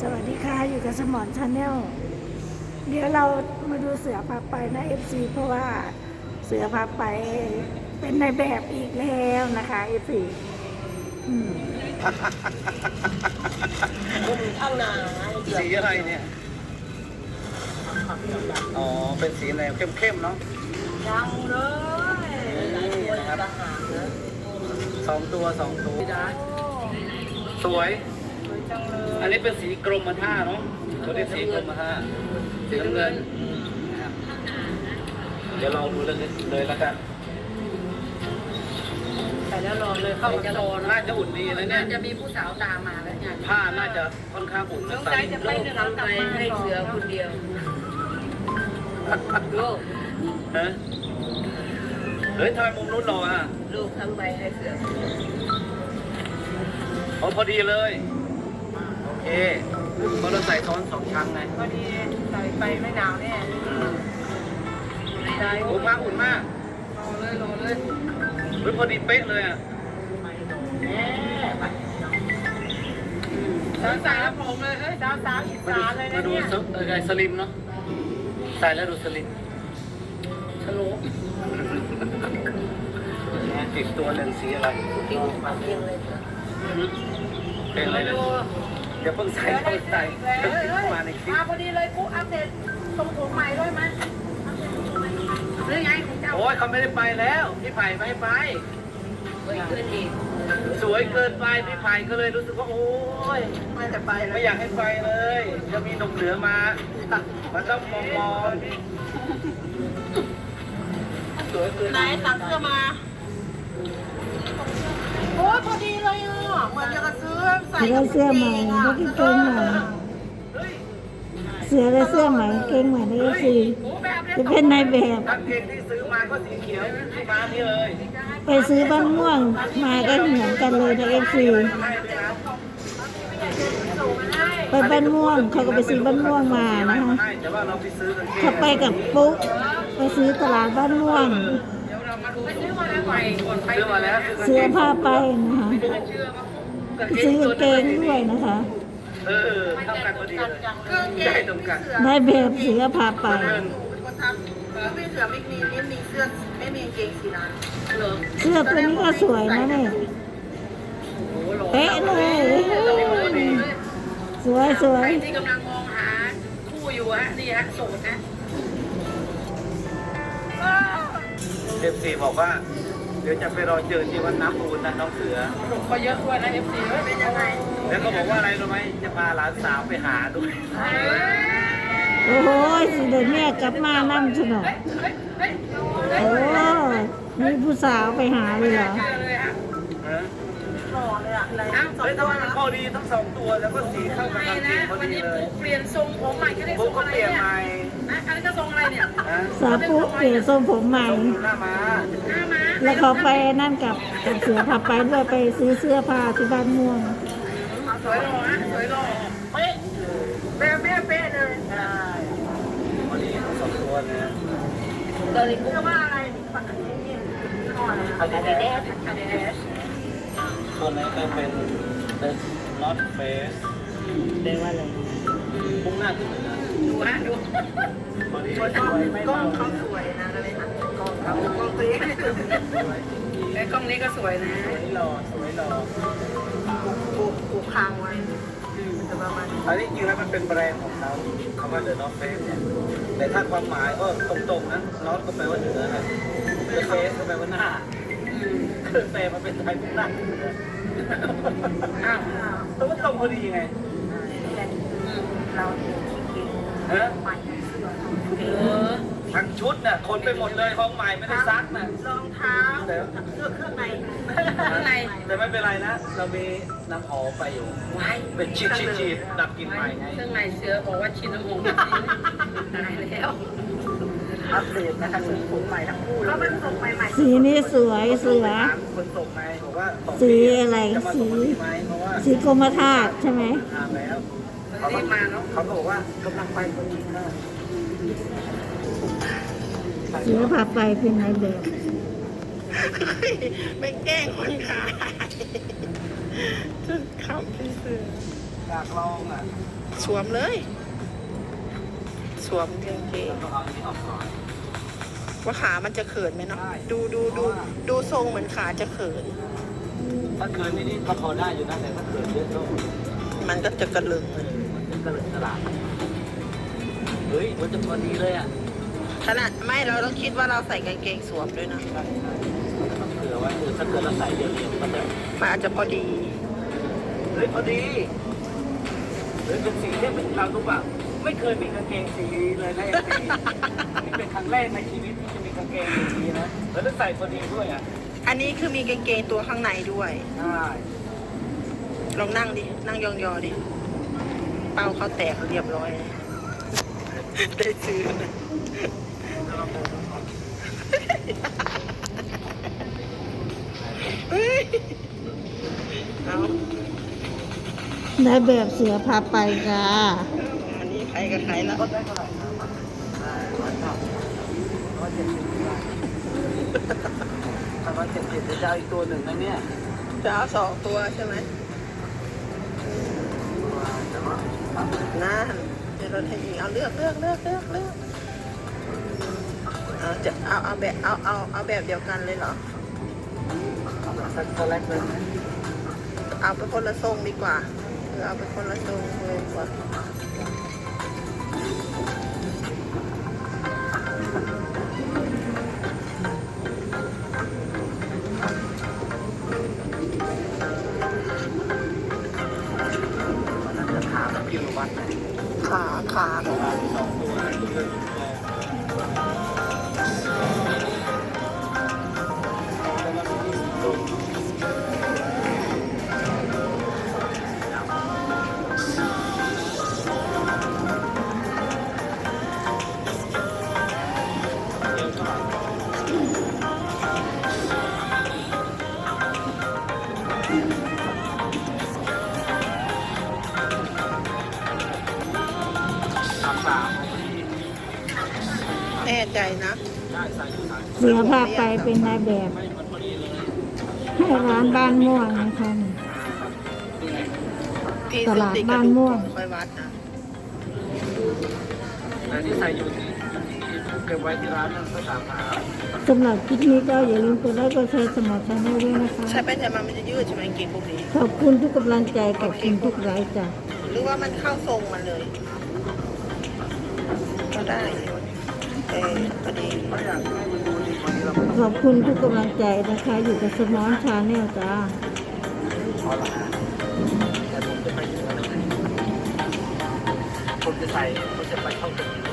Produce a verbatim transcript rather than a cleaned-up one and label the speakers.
Speaker 1: สวัสดีค่ะอยู่กับสมอนชาแนลเดี๋ยวเรามาดูเสือพาไปนะเอฟซีเพราะว่าเสือพาไปเป็นในแบบอีกแล้วนะคะเอฟซีอืม
Speaker 2: ข้างหน้า
Speaker 3: สีอะไรเนี่ย อ๋อ เป็นสีอะไรเข้มๆเนาะ
Speaker 2: ยังเลยหลายตัวจะหางนะ
Speaker 3: สองตัวสองตัว
Speaker 2: จ้า
Speaker 3: สวย
Speaker 2: สวยจังเลย
Speaker 3: อันนี้เป็นสีกรมท่าเนาะเขาเรียกสีกรมท่าสีน้ำเงินนะครับเดี๋ยวลองดูเลยเลยแล้วกัน
Speaker 2: ใส่แล้วรอเลยเข้าจะรอ
Speaker 3: น่าจะอุ่นดีนะเนี่ย
Speaker 2: จะมีผู้สาวตามมาแล้วเนี่ย
Speaker 3: ผ้าน่าจะค่อนข้างอุ่น
Speaker 2: ต้
Speaker 3: นะ
Speaker 2: อง
Speaker 3: ใส่
Speaker 2: ใจจะไปเดินทางไปให้เสือคนเดียวลูก
Speaker 3: ฮะเฮ้ยทำไมมุมนู้นหล่ออ่ะ
Speaker 2: ลูกทั้งใบให้เสือ
Speaker 3: อ๋อพอดีเลย โอเคเพราะเราใส่ซ้อนสองชั้นไง
Speaker 2: พอดีใส่ไปไม่หนาวแน่
Speaker 3: อืม
Speaker 2: ใช่
Speaker 3: โอ้ผ้าอุ่นมาก
Speaker 2: รอเลยรอเลย
Speaker 3: เฮ้ยพอดีเป๊ะเลยอ่ะ
Speaker 2: สาวสาวผมเลยเฮ้ยสาวสาวอีสานเลย
Speaker 3: มา
Speaker 2: นะ
Speaker 3: ดู
Speaker 2: เนี่ย
Speaker 3: สเออไงสลิมเนาะใส่แล้วดูสลิม
Speaker 2: ฉลุ
Speaker 3: เนี่ยติดตัวหนึ่งสีอะไร
Speaker 2: ทิ้งปากเพียงเลย
Speaker 3: เป็นอะไรนะเดี๋ยวเพิ่งใส่เพิ่งใส่เพิ่งทิ้งมาในคลิป
Speaker 2: มาพอดีเลยปุ๊อัปเดตทรงผมใหม่ด้วยมั้ยหรือไงของเจ้า
Speaker 3: โอ้ยเขาไม่ได้ไปแล้วพี่ไผ่ไม่ให้ไป
Speaker 2: เฮ้ยขึ้นอีก
Speaker 3: สวยเกินไปพี่ไผ่ก็เลยรู้สึกว่าโอ้ย
Speaker 2: ไม่จะไปแล้ว
Speaker 3: ไม่อยากให้ไปเลยจะมีหนุ่มเหนือมามันต้องมองมองสวยเกิน
Speaker 2: ไหนตักเสื้อมาโอ้พอดีเลยอ่ะเหมือนจะซื้อใส่
Speaker 1: ได้เสื้อใหม่ได้กางเกงใหม่เสือได้เสื้อใหม่กางเกงใหม่ในเอฟซีจะเป็นในแบบ
Speaker 3: กางเกงที่ซื้อมาก็สีเขียวมานี่เลย
Speaker 1: ไปซื้อบ้านม่วงมาก็เหมือนกันเลยในเอฟซี
Speaker 3: ให้เลยนะ
Speaker 1: ไปบ้านม่วงเขาก็ไปซื้อบ้านม่วงมานะคะ
Speaker 3: ให้แต่ว่าเราไปซื้อกางเกง
Speaker 1: เขาไปกับปุ๊กไปซื้อตลาดบ้านม่วง
Speaker 2: เดี๋ยวเรามาดูซื้อมาแล้วใหม่ก่อนไป
Speaker 3: ซื้อมาแล้ว
Speaker 1: เสื้อผ้าไปนะคะ
Speaker 2: เชื่อมา
Speaker 1: ซื้อกางเกงด้วยนะคะ
Speaker 3: เออเท่ากันพอดีเลย
Speaker 2: เครื่องเก
Speaker 3: ได้
Speaker 2: ง
Speaker 3: ตรงกัน
Speaker 1: ได้แบบเสือพาไป
Speaker 2: คนทำไม่เสือไม่มีไม่มีเสื้อไม่มีเกงสีนั้นเหรอ
Speaker 1: เสื้อตัวนี้ก็สวยนะเนี่ยเป๊ะเลยสวยสว
Speaker 2: ใคร
Speaker 1: ย
Speaker 2: ที่กำลังมองหาคู่อยู่ฮะนี่ฮะโสดนะ
Speaker 3: เอฟซีบอกว่า เดี๋ยวจะไปรอเจอที่วัดน้ำอูนนะน้องเสือ
Speaker 2: สนุกก็เยอะด้วยนะเอฟซีเป็นยังไง
Speaker 3: แล้วก็บอกว่าอะไรรู้ไหมจะพาหลานสาวไปหาด้วย
Speaker 1: โอ้โหสิเดี๋ยวแม่กลับมานั่งชนกโอ้มีผู้สาวไปหาเลยเหรอ
Speaker 3: ฮะ
Speaker 2: หล่อเลยอ่ะอะไรนะ
Speaker 3: เฮ้ยทำไมมันพอดีทั้งสองตัวแล้วก็สีเข้ากับกางเกงพอ
Speaker 2: วัน
Speaker 3: ดี
Speaker 2: นี้
Speaker 3: เลย
Speaker 2: ปุ๊เปลี่ยนทรงผมใหม่ก็ได้ท
Speaker 3: ปุ๊
Speaker 2: ร
Speaker 3: ก
Speaker 2: ง
Speaker 3: ก็
Speaker 2: อะไร
Speaker 3: เปลี่ยน
Speaker 2: เนี่ย
Speaker 3: ใหม่
Speaker 2: นะอันนี้ก็ทรงอะไรเนี่ย
Speaker 3: ฮะ
Speaker 1: สาวปุ๊เปลี่ยนทรงผมใหม่
Speaker 3: หน้าม้า
Speaker 2: หน้าม้า
Speaker 1: แล้วเขาไปนั่นกับกับเสือพาไปด้วยไปซื้อเสื้อผ้าที่บ้านม่วง
Speaker 2: สวยหล่อฮะสวยหล่อเป๊ะเป๊ะเป๊ะเป๊ะเลย
Speaker 3: ใช่พอดีทั้งสองตัวเลยนะ
Speaker 2: เดี๋ยวนี้พูดว่าอะไรปกตินี่ก่อนอะคาเดสคาเดส
Speaker 3: ตัวนี้ก็เป็น The North Face
Speaker 1: เรียกว่าอะไร
Speaker 3: พุ่งหน้าขึ้นเลยนะ
Speaker 2: ดูฮะดู
Speaker 3: พอดี
Speaker 2: กล้องเขาสวยนะเลยค่ะกล้องเขากล้องตัวนี้ไอ้กล้องนี้ก็สวยนะ
Speaker 3: สวยหล่อสวยหล่อ
Speaker 2: ปูปูคางไว้จะประมาณ
Speaker 3: อันนี้จริงแล้วมันเป็นแบรนด์ของเขาคำว่า The North Face เนี่ยแต่ถ้าความหมายก็ตรงๆนะ North ก็แปลว่าเหนือนะ The Face ก็แปลว่าหน้าคือแปลมาเป็นไทยพุ่งหน้าขึ้นเหนือ
Speaker 2: อ้าว
Speaker 3: แต่ว่าตรงพอดีไง
Speaker 2: เรากิน
Speaker 3: ฮะ
Speaker 2: ใหม่เออ
Speaker 3: ทั้งชุดน่ะคนไปหมดเลยของใหม่ไม่ได้ซักน่ะ
Speaker 2: รองเท้า
Speaker 3: แต่
Speaker 2: เสื้อเครื่องในข้างใน
Speaker 3: แต่ไม่เป็นไรนะ เรามีน้ำหอมไปอยู่
Speaker 2: ไว้
Speaker 3: เป็นชีดชีดชีดดับกลิ่นใหม่ไง
Speaker 2: เครื่องในเสือบอกว่าชิ้นน้ำหอมตายแล้ว
Speaker 3: อัปเดตนะคะสีผมใหม่ทั้งคู่เลย
Speaker 2: เขาเป็นส่งใหม่
Speaker 1: สีนี้สวยเสือ
Speaker 3: คนส่งไงบอกว่าสอง
Speaker 1: สี
Speaker 3: ปี
Speaker 1: อะไร
Speaker 3: จะมา
Speaker 1: สี
Speaker 3: ส่งวันนี้ไหมเพราะว่า
Speaker 1: สีกรมธาตุใช่ไหม
Speaker 3: ทางแล้ว
Speaker 2: ๆ
Speaker 3: เขา
Speaker 2: รี
Speaker 3: ก็
Speaker 2: บมาเนาะ
Speaker 3: เขาก็บอกว่ากำลังไปพอดีค่ะ
Speaker 1: เสือพาไปเป็นในแบบ
Speaker 2: ไม่แกล้งคนขายชุดขับเป็นเสือ
Speaker 3: อยากลองอ่ะ
Speaker 2: สวมเลย สวมกางเกง
Speaker 3: ต้องเอาอันนี้ออกก่อน
Speaker 2: ว่าขามันจะเขินไหมเนาะ
Speaker 3: ได้
Speaker 2: ดูดูดูดูทรงเหมือนขาจะเขิน
Speaker 3: ถ้าเกินนี่นี่ก็พอได้อยู่นะแต่ถ้าเกินเยอะก็
Speaker 2: มันก็จะกระลึง
Speaker 3: มันจะกระเหลิกกระลาเฮ้ยมันจะพอดีเลยอ่ะ
Speaker 2: ขนาดไม่เราต้องคิดว่าเราใส่กางเกงสวมด้วยนะ
Speaker 3: ใช่ใช่ต้องเผื่อไว้เออถ้าเกิดเราใส่เดียวๆมันจะ
Speaker 2: มันอาจจะพอดี
Speaker 3: เฮ้ยพอดีเฮ้ยเป็นสีเนี่ยเป็นเรารู้ป่ะไม่เคยมีกางเกงสีเลยนะเอฟซีนี่เป็นครั้งแรกในชีวิตที่จะมีกางเกงสีนี้นะแล้วต้องใส่พอดีด้วยอ่ะ
Speaker 2: อันนี้คือมีกางเกงตัวข้างในด้วย
Speaker 3: ใช่
Speaker 2: ลองนั่งดิ นั่งยองๆดิ เป้าเขาแตกเรียบร้อย ได้ซื้อนะเฮ้ยเอา
Speaker 1: ได้แบบเสือพาไปจ้า
Speaker 2: อันนี้ใครกับใครแล้ว
Speaker 3: ลดได้เท่าไหร่ครับได้ร้อยเก้าร้อยเจ็ดสิบได้ถ้าร้อยเจ็ดสิบจะเอาอีกตัวหนึ่งนะเนี่ย
Speaker 2: จะเอาสองตัวใช่ไหมนั่นเดี๋ยวเราให้ยิงเอาเลือกเลือกเลือกเลือกเลือกเอาจะเอาเอาแบบเอาเอาเอาแบบเดียวกันเลยเหรอ
Speaker 3: เอาแบบสักสแลกเลยไหม
Speaker 2: เอาไปคนละทรงดีกว่าเออเอาไปคนละทรงเลยดีกว่า
Speaker 3: วันนั้นจะถามพี่วัดไหน
Speaker 2: ขาขา
Speaker 3: สองตัวสามสาม
Speaker 2: แน่ใจนะ
Speaker 3: ได้ใส่อยู่สาม
Speaker 1: เสือพาไปเป็นนายแบบ
Speaker 3: ไม่มันพอดีเลย
Speaker 1: ให้ร้านบ้านม่วงนะคะ
Speaker 2: พี่
Speaker 1: ตลาดบ้านม่วง
Speaker 2: ค่อยวัดนะ
Speaker 3: แต่ที่ใส่อยู่ที่เก็บไว้ที่ร้านนั่นก็สามหา
Speaker 1: สำหรับคลิปนี้ก็อย่าลืมกดไลค์กดแชร์สมอชาแนลด้วยนะคะ
Speaker 2: ใช่ไหมแต่มันมันจะยืดใช่ไหมกินพวกนี้
Speaker 1: ขอบคุณทุกกำลังใจขอบคุณทุกไลค์จ้ะ
Speaker 2: หรือว่ามันเข้าทรงมันเลย ก็ได้เออพอดี
Speaker 3: ไม่อยากให้มันดูดีกว่านี้เรา
Speaker 1: ขอบคุณทุกกำลังใจนะคะ อยู่กับสมอนชาแนลจ้า
Speaker 3: พอละแต่ผมจะไปเหนือเลยผมจะใส่ผมจะไปเข้าตึก